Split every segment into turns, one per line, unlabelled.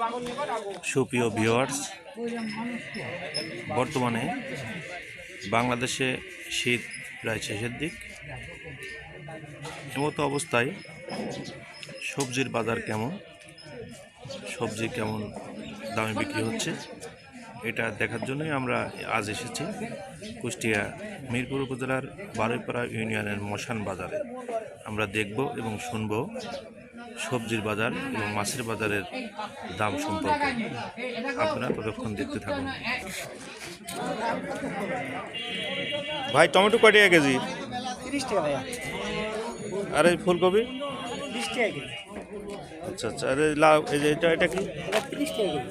সুপ্রিয় ভিউয়ার্স, বর্তমানে বাংলাদেশে শীত প্রায় শেষের দিক। এমতো অবস্থায় সবজির বাজার কেমন, সবজি কেমন দামে বিক্রি হচ্ছে, এটা দেখার জন্যই আমরা আজ এসেছি কুষ্টিয়া মিরপুর উপজেলার বারুইপাড়া ইউনিয়নের মশান বাজারে। আমরা দেখব এবং শুনব সবজির বাজার এবং মাছের বাজারের দাম সম্পর্কে। আপনারা ততক্ষণ দেখতে থাকুন। ভাই, টমেটো কয় টাকা কেজি?
30 টাকা ভাইয়া।
আর এই ফুলকপি
20 টাকা কেজি।
আচ্ছা আচ্ছা। আর এই লাউ, এই যে এটা কি?
এটা 30 টাকা কেজি।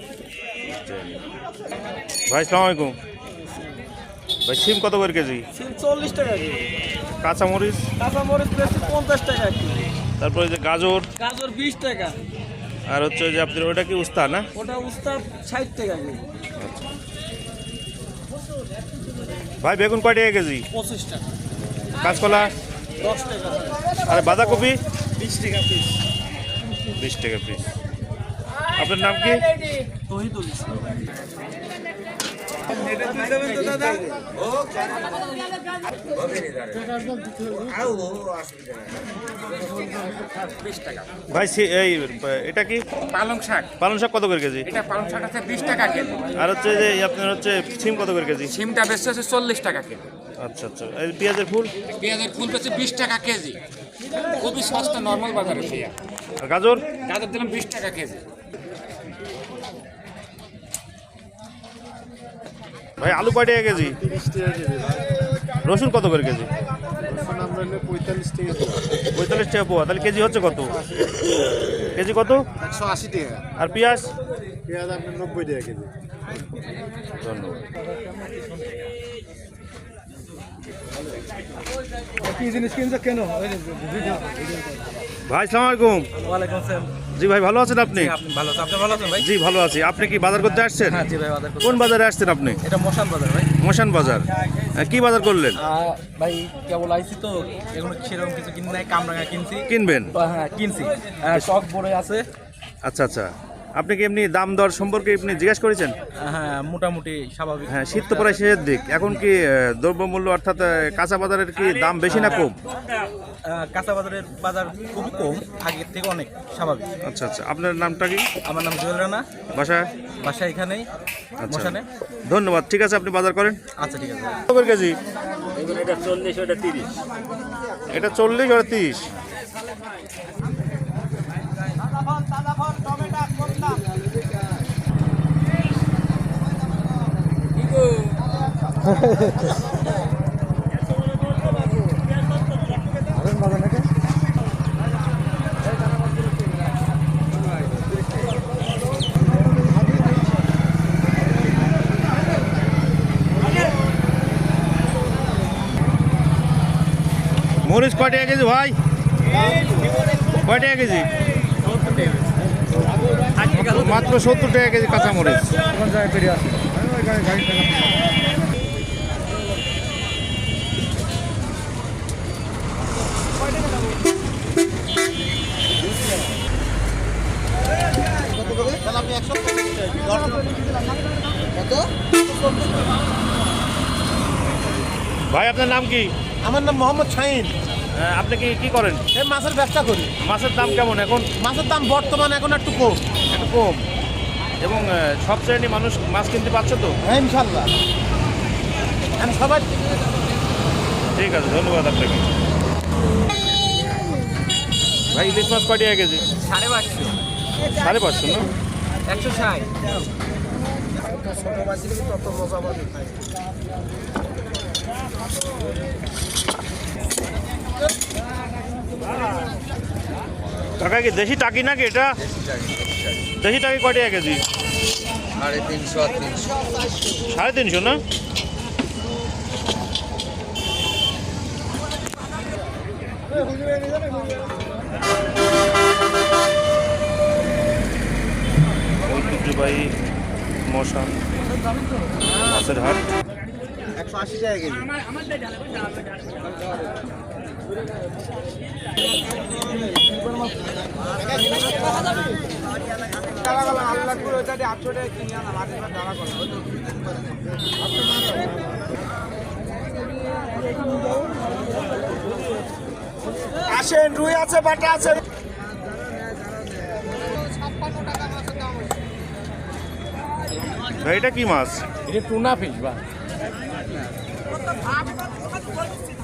ভাই আসসালামু আলাইকুম। ভাই সিম কত করে কেজি?
সিম 40 টাকা কেজি।
কাঁচামরিচ?
কাঁচামরিচ বেশি 50 টাকা কেজি।
তারপরে যে গাজর?
গাজর 20 টাকা।
আর হচ্ছে যে আপনার ওটা কি উস্তা না?
ওটা উস্তা 60 টাকা কেজি।
ভাই বেগুন কয় টাকা কেজি?
25 টাকা।
কাঁচকলা?
10 টাকা।
আর বাঁধাকপি?
20 টাকা পিস।
20 টাকা পিস। আপনার নাম কি?
তহিদুল ইসলাম।
ভাই এই এটা কি?
পালং শাক।
পালং শাক কত করে কেজি?
এটা পালং শাক আছে 20 টাকা কেজি।
আর হচ্ছে যে আপনার হচ্ছে সিম কত করে কেজি?
সিমটা বেশি আছে 40 টাকা কেজি।
আচ্ছা আচ্ছা। এই পেঁয়াজের ফুল?
পেঁয়াজের ফুল বেশি 20 টাকা কেজি, খুবই সস্তা নর্মাল বাজারে পেঁয়াজ।
আর গাজর?
গাজর দিলাম 20 টাকা কেজি।
ভাই আলু কয় টাকা কেজি?
30 টাকা কেজি।
রসুন কত করে কেজি?
রসুন আমরা নিলে 45 টাকা।
45 টাকা পোয়া। তাহলে কেজি হচ্ছে কত? কেজি কত?
180 টাকা।
আর পেঁয়াজ?
পেঁয়াজ আপনার 90 টাকা কেজি।
ধন্যবাদ।
কি জিনিস কিনছো কেন?
ভাই আসসালামু আলাইকুম।
ওয়ালাইকুম আসসালাম।
জি ভাই, ভালো আছেন আপনি?
আপনি ভালো আছেন? আপনি ভালো আছেন ভাই?
জি ভালো আছি। আপনি কি বাজার করতে আসছেন?
হ্যাঁ জি ভাই, বাজার করতে।
কোন বাজারে আসছেন আপনি?
এটা মশান বাজার ভাই।
মশান বাজার। কি বাজার করলেন?
ভাই কেবল আইছি তো, এগুলো সেরকম কিছু কিনি নাই, কামরাঙা কিনছি।
কিনবেন?
হ্যাঁ কিনছি। টক বড়ে আছে।
আচ্ছা আচ্ছা। আপনি কি এমনি দাম দর সম্পর্কে আপনি জিজ্ঞাসা করেছেন?
হ্যাঁ মোটামুটি স্বাভাবিক।
হ্যাঁ, শীত তো প্রায় শেষের দিক। এখন কি দ্রব্যমূল্য অর্থাৎ কাঁচা বাজারের কি দাম বেশি না কম?
কাঁচা বাজারের বাজার খুবই কম, আগের থেকে অনেক স্বাভাবিক।
আচ্ছা আচ্ছা। আপনার নামটা কি?
আমার নাম জুয়েল রানা।
বাসা
এখানেই
আচ্ছা।
মশানে।
ধন্যবাদ। ঠিক আছে, আপনি বাজার করেন।
আচ্ছা ঠিক আছে।
কত করে কেজি?
এটা 40, ওটা 30।
এটা 40, ওটা 30। মরিচ কয় টাকা কেজি ভাই? কয় টাকা কেজি? মাত্র 70 টাকা কেজি কাঁচা মরিচ। ভাই আপনার নাম কি?
আমার নাম মোহাম্মদ শাহিন।
আপনি কি করেন?
এই মাছের ব্যবসা করি।
মাছের দাম কেমন এখন?
মাছের দাম বর্তমানে এখন একটু কম।
একটু কম। এবং সব শ্রেণী মানুষ মাছ কিনতে পারছে তো?
হ্যাঁ ইনশাল্লাহ। আমি সবাই
ঠিক আছে, ধন্যবাদ আপনাকে। ভাই ইলিশ মাছ কয় টাকা কেজি?
550।
550 না?
160।
ছোট মাছ দিলে তত মজা পাবে।
কাকা কি দেশি টাকি নাকি এটা? দেশি টাকি কয় টাকা কেজি? 350 না? ঐতিহ্যবাহী মশান মাছের হাট।
180 টাকা কেজি। আসেন, রুই আছে, বাটা আছে।
ভাই এটা কি মাছ?
এটা টুনা ফিশ বা